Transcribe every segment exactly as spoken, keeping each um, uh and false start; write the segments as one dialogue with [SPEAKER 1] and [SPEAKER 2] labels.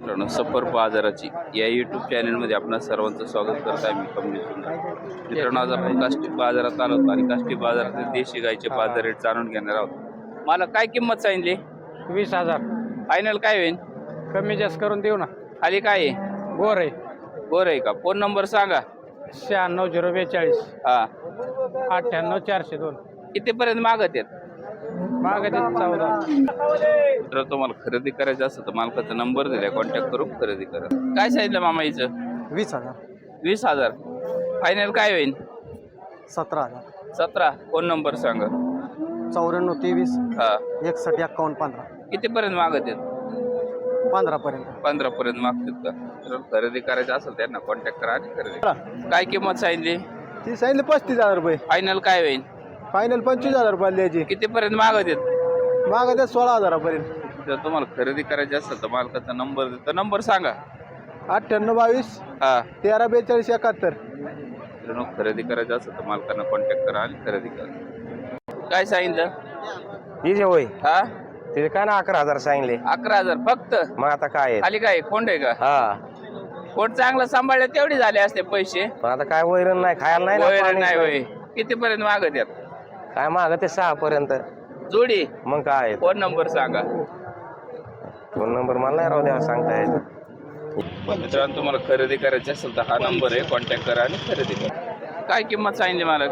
[SPEAKER 1] मित्रांनो, सफर बाजाराची या यूट्यूब चॅनलमध्ये आपणा सर्वांचं स्वागत करत आहे. मी कमलेश सुंदर. मित्रांनो, आज आपण काष्टी बाजारात आलो होतो आणि काष्टी बाजारातील देशी गायचे बाजार रेट जाणून घेणार आहोत. मला काय किंमत सांगितली?
[SPEAKER 2] वीस हजार
[SPEAKER 1] फायनल काय होईल?
[SPEAKER 2] कमी जास्त करून देऊ ना.
[SPEAKER 1] खाली काय आहे?
[SPEAKER 2] गोर आहे.
[SPEAKER 1] गोर आहे का? फोन नंबर सांगा.
[SPEAKER 2] शहाण्णव झिरो बेचाळीस
[SPEAKER 1] हा,
[SPEAKER 2] अठ्ठ्याण्णव चारशे दोन.
[SPEAKER 1] कितीपर्यंत मागत आहेत?
[SPEAKER 2] मागे चौदा.
[SPEAKER 1] तर तुम्हाला खरेदी करायचं असतं तर मालकाचा नंबर दिलाय, कॉन्टॅक्ट करून खरेदी करा. काय सांगितलं मामा हिचं?
[SPEAKER 2] वीस हजार
[SPEAKER 1] वीस हजार. फायनल काय होईल?
[SPEAKER 2] सतरा हजार
[SPEAKER 1] सतरा. फोन नंबर सांगा.
[SPEAKER 2] चौऱ्याण्णव तेवीस
[SPEAKER 1] हा,
[SPEAKER 2] एकसष्ट एक्कावन्न पंधरा.
[SPEAKER 1] कितीपर्यंत मागत आहेत?
[SPEAKER 2] पंधरा पर्यंत.
[SPEAKER 1] पंधरा पर्यंत मागतात का? तर खरेदी करायचं असेल त्यांना कॉन्टॅक्ट करा आणि खरेदी करा. काय किंमत सांगितली?
[SPEAKER 2] ती सांगितले पस्तीस हजार रुपये.
[SPEAKER 1] फायनल काय होईल?
[SPEAKER 2] फायनल पंचवीस हजार रुपये द्यायची.
[SPEAKER 1] कितीपर्यंत मागत आहेत?
[SPEAKER 2] मागे द्या सोळा हजारापर्यंत.
[SPEAKER 1] जर तुम्हाला खरेदी करायची असेल तर मालकाचा नंबर देतो, नंबर सांगा.
[SPEAKER 2] अठ्ठ्याण्णव बावीस
[SPEAKER 1] हा,
[SPEAKER 2] तेरा बेचाळीस एकाहत्तर.
[SPEAKER 1] तर खरेदी करायचं असेल तर मालकांना कॉन्टॅक्ट करा आणि खरेदी करा. काय सांगितलं?
[SPEAKER 3] ही जे होय
[SPEAKER 1] हा,
[SPEAKER 3] ते काय ना अकरा हजार सांगले.
[SPEAKER 1] अकरा हजार फक्त.
[SPEAKER 3] मग आता काय आहे?
[SPEAKER 1] खाली काय कोंड आहे का?
[SPEAKER 3] हा,
[SPEAKER 1] कोण चांगला सांभाळले तेवढे झाले असते पैसे.
[SPEAKER 3] पण आता काय वैरण नाही, खायला नाही ना,
[SPEAKER 1] वैरण
[SPEAKER 3] पाणी
[SPEAKER 1] नाही होय. कितीपर्यंत मागत आहेत?
[SPEAKER 3] काय माग ते सहा पर्यंत.
[SPEAKER 1] जोडी.
[SPEAKER 3] मग काय आहे?
[SPEAKER 1] फोन नंबर सांगा.
[SPEAKER 3] फोन नंबर मला नाही राहू द्या, सांगता येत.
[SPEAKER 1] मित्रांनो, तुम्हाला खरेदी करायची असेल तर हा नंबर आहे, कॉन्टॅक्ट करा आणि खरेदी करा. काय किंमत सांगितली मला?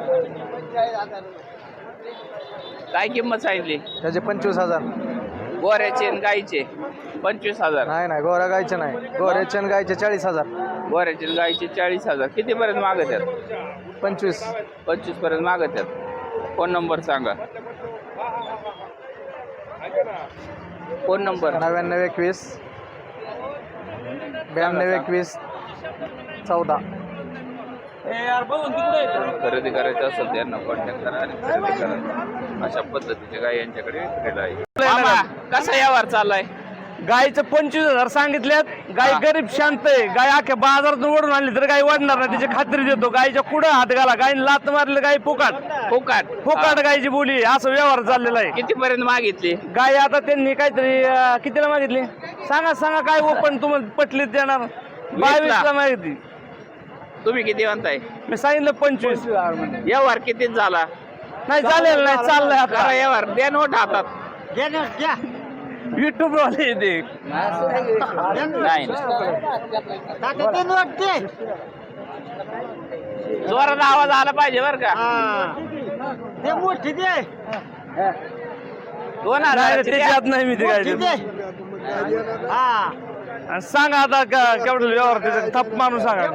[SPEAKER 1] काय किंमत सांगितली?
[SPEAKER 2] त्याचे पंचवीस हजार.
[SPEAKER 1] गोऱ्याचे आणि गाईचे पंचवीस हजार.
[SPEAKER 2] नाही नाही गोरा गायचे नाही. गोऱ्याचे आणि गायचे चाळीस हजार.
[SPEAKER 1] गोऱ्याचे आणि गाईचे चाळीस हजार. कितीपर्यंत मागत आहेत?
[SPEAKER 2] पंचवीस.
[SPEAKER 1] पंचवीस पर्यंत मागत आहेत. फोन नंबर सांगा. फोन नंबर
[SPEAKER 2] नव्याण्णव एकवीस ब्याण्णव एकवीस चौदा.
[SPEAKER 1] खरेदी करायचं असेल तर यांना कॉन्टॅक्ट करा आणि खरेदी करा. अशा पद्धतीचे गाय यांच्याकडे विक्रीला आहे. मामा, कसा व्यवहार चाललाय?
[SPEAKER 4] गायचं पंचवीस हजार सांगितल्यात. गाय गरीब शांत आहे. गाय अख्या बाजारातून ओढून आणली तर गाय वाढणार नाही, त्याची खात्री देतो. गायच्या कुठं हात घाला, गायने लात मारली गाय फुकाट
[SPEAKER 1] फुकाट
[SPEAKER 4] फुकाट गायची बोली, असं व्यवहार चाललेला आहे.
[SPEAKER 1] कितीपर्यंत मागितली?
[SPEAKER 4] गाय आता त्यांनी काहीतरी अं, कितीला मागितली सांगा सांगा काय ओपन तुम्हाला पटलीत देणार. बावीस ला मागितली.
[SPEAKER 1] तुम्ही किती म्हणताय?
[SPEAKER 4] मी सांगितलं पंचवीस.
[SPEAKER 1] व्यवहार कितीच झाला?
[SPEAKER 4] नाही झालेलं नाही, चाललंय आता
[SPEAKER 1] करा व्यवहार. द्या नोट हातात.
[SPEAKER 4] युट्यूब वाले ते
[SPEAKER 1] नाही, जोरात आवाज आला पाहिजे बर का. दोन
[SPEAKER 4] नाही,
[SPEAKER 1] हजार
[SPEAKER 4] त्याच्यात नाही मी ते काय आणि सांगा आता का- केवढं व्यवहार त्याचा थप मारून सांगा.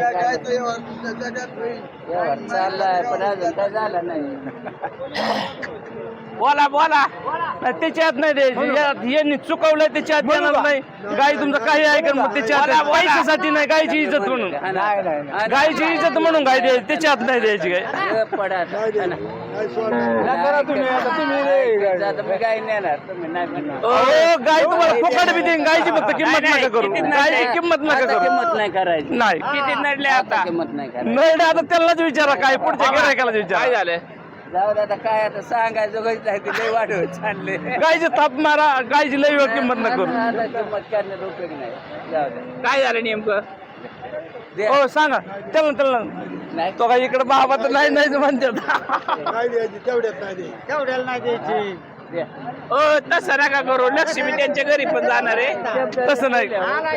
[SPEAKER 1] बोला बोला.
[SPEAKER 4] नाही, त्याच्यात नाही द्यायची. यात यांनी चुकवलंय त्याच्यात देणार नाही. गाय तुमचं काही ऐकन मग त्याच्यात पैशासाठी नाही, गायची इज्जत म्हणून. गायची इज्जत म्हणून गाय द्यायची, त्याच्यात नाही द्यायची गाय. हो, गाय तुम्हाला फुकट बी देईन. गायची फक्त किंमत नका करू. गायची किंमत नका करू.
[SPEAKER 5] किंमत नाही करायची.
[SPEAKER 4] नाही
[SPEAKER 1] किती नडले आता?
[SPEAKER 5] किंमत नाही करायची.
[SPEAKER 4] नाही आता त्यालाच विचारा, काय पुढच्या गिरायकाला
[SPEAKER 1] काय
[SPEAKER 4] विचारा.
[SPEAKER 1] झालं?
[SPEAKER 5] जाऊ दे आता, काय आता सांगायचं काही लय वाढवत चालले.
[SPEAKER 4] गायची थाप मारा, गायची लई वेळ किंमत नका करू.
[SPEAKER 5] आता किंमत करण्यात उपयोग नाही. जाऊ दे.
[SPEAKER 1] काय झालं नेमकं?
[SPEAKER 5] दे.
[SPEAKER 4] हो सांगा त्याला त्याला.
[SPEAKER 5] नाही.
[SPEAKER 4] तो काय इकडे बाबा तर नाही नाही म्हणतात.
[SPEAKER 2] तेवढ्याला नाही द्यायची.
[SPEAKER 5] दे.
[SPEAKER 1] ओ तसं नका करू. लक्ष्मी त्यांच्या घरी पण जाणार आहे.
[SPEAKER 4] तसं नाही.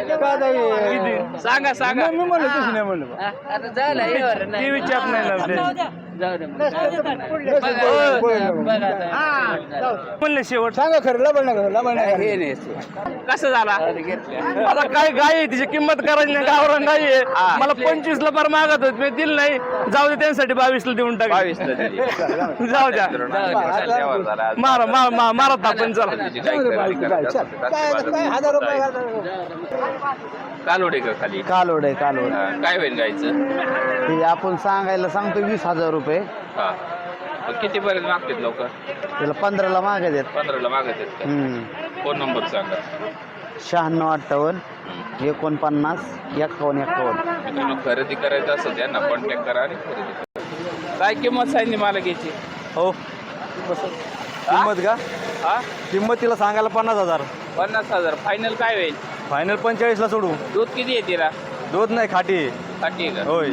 [SPEAKER 1] सांगा सांगा.
[SPEAKER 4] मी म्हणलं तशी नाही म्हणलं.
[SPEAKER 5] हा, आता झालं एवढं
[SPEAKER 4] ती
[SPEAKER 5] नाही.
[SPEAKER 4] विचार नाही ना ते.
[SPEAKER 5] जाऊ दे मग. बघा आता.
[SPEAKER 4] म्हणले शेवट
[SPEAKER 2] सांगा खरं लबड नका लबड नका.
[SPEAKER 5] हे नाही.
[SPEAKER 1] कसं झाला?
[SPEAKER 5] घेतलं.
[SPEAKER 4] आता काय गाय आहे तिची किंमत करायची नाही. गावरान गाय आहे. मला पंचवीस ला बार मागत होत, मी दिलं नाही. जाऊ दे त्यांसाठी बावीस ला देऊन टाक.
[SPEAKER 1] बावीस ला दिली.
[SPEAKER 4] जाऊ द्या.
[SPEAKER 1] व्यवहार झाला. आज
[SPEAKER 4] मारा मारा मारा मारा तापण चला.
[SPEAKER 1] जी काही खरेदी करायची असेल तर
[SPEAKER 2] काय
[SPEAKER 1] काष्टी
[SPEAKER 2] काय हजार रुपये
[SPEAKER 1] बाजारात कालोडे का खाली?
[SPEAKER 2] कालोड आहे कालोड.
[SPEAKER 1] हा, काय होईल गायचं?
[SPEAKER 2] ते आपण सांगायला सांगतो वीस हजार रुपये.
[SPEAKER 1] हा, मग कितीपर्यंत मागतात लोक?
[SPEAKER 2] त्याला पंधराला मागे देत.
[SPEAKER 1] पंधराला मागत आहेत का? फोन नंबर सांगा.
[SPEAKER 2] शहाण्णव अठ्ठावन्न एकोणपन्नास एक्कावन्न एक्कावन्न.
[SPEAKER 1] मित्रांनो, खरेदी करायचं असेल त्यांना कॉन्टॅक्ट करा आणि खरेदी करा. काय किंमत सांगितली मला घ्यायची?
[SPEAKER 2] हो किंमत का?
[SPEAKER 1] हा,
[SPEAKER 2] किंमत तिला सांगायला पन्नास हजार.
[SPEAKER 1] पन्नास हजार. फायनल काय होईल?
[SPEAKER 6] फायनल पंचेचाळीसला सोडू.
[SPEAKER 1] दूध किती आहे तिला?
[SPEAKER 6] दूध नाही खाटी आहे.
[SPEAKER 1] साठी आहे का?
[SPEAKER 6] होय.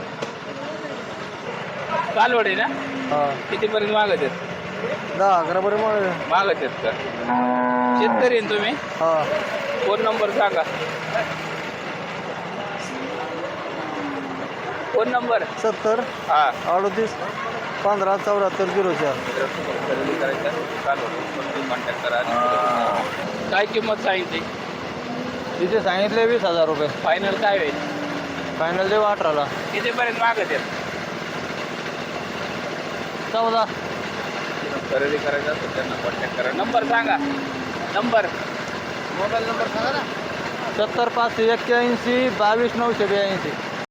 [SPEAKER 1] कालवड आहे ना?
[SPEAKER 6] हा
[SPEAKER 1] कितीपर्यंत मागत आहेत?
[SPEAKER 6] दहा अकरा बरं मग.
[SPEAKER 1] मागत आहेत का? शेतकरी आहे तुम्ही?
[SPEAKER 6] हा
[SPEAKER 1] फोन नंबर सांगा. फोन नंबर
[SPEAKER 6] सत्तर
[SPEAKER 1] हा
[SPEAKER 6] अडतीस पंधरा चौऱ्याहत्तर झिरो चार.
[SPEAKER 1] खरेदी करायचं कॉन्टॅक्ट करा. काय किंमत सांगितली?
[SPEAKER 6] तिथे सांगितले वीस हजार रुपये.
[SPEAKER 1] फायनल काय होईल?
[SPEAKER 6] फायनल देऊ अठराला.
[SPEAKER 1] कितीपर्यंत मागत आहेत?
[SPEAKER 6] चौदा.
[SPEAKER 1] खरेदी करायचं असेल त्यांना कॉन्टॅक्ट करा. नंबर सांगा. नंबर
[SPEAKER 6] मोबाईल नंबर सांगा ना. सत्तर पाचशे एक्क्याऐंशी बावीस नऊशे ब्याऐंशी.